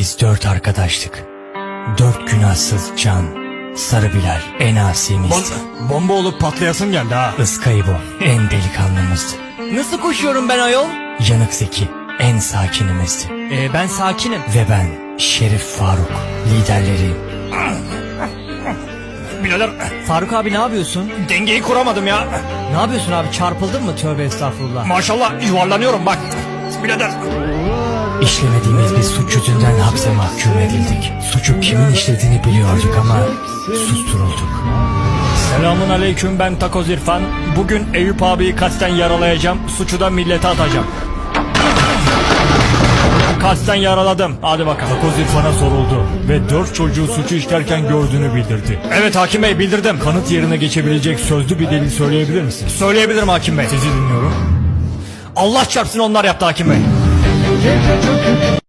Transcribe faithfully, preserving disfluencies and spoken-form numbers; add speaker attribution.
Speaker 1: Biz dört arkadaştık. Dört günahsız can. Sarı Bilal en asimizdi.
Speaker 2: Bon bomba olup patlayasın geldi ha.
Speaker 1: Iskaybo en delikanlımızdı.
Speaker 3: Nasıl koşuyorum ben ayol?
Speaker 1: Yanık Zeki en sakinimizdi.
Speaker 3: Ee, ben sakinim.
Speaker 1: Ve ben Şerif Faruk liderleriyim.
Speaker 2: Birader
Speaker 3: Faruk abi ne yapıyorsun?
Speaker 2: dengeyi kuramadım ya.
Speaker 3: Ne yapıyorsun abi, çarpıldın mı? Tövbe estağfurullah.
Speaker 2: Maşallah yuvarlanıyorum bak. Birader.
Speaker 1: İşlemediğimiz bir suç yüzünden hapse mahkum edildik. Suçu kimin işlediğini biliyorduk ama susturulduk.
Speaker 2: Selamun aleyküm, ben Takoz İrfan. Bugün Eyüp abiyi kasten yaralayacağım. Suçu da millete atacağım. Kasten yaraladım. Hadi bakalım.
Speaker 4: Takoz İrfan'a soruldu ve dört çocuğu suçu işlerken gördüğünü bildirdi.
Speaker 2: Evet hakim bey, bildirdim.
Speaker 4: Kanıt yerine geçebilecek sözlü bir delil söyleyebilir misin?
Speaker 2: Söyleyebilirim hakim bey.
Speaker 4: Sizi dinliyorum.
Speaker 2: Allah çarpsın onlar yaptı hakim bey.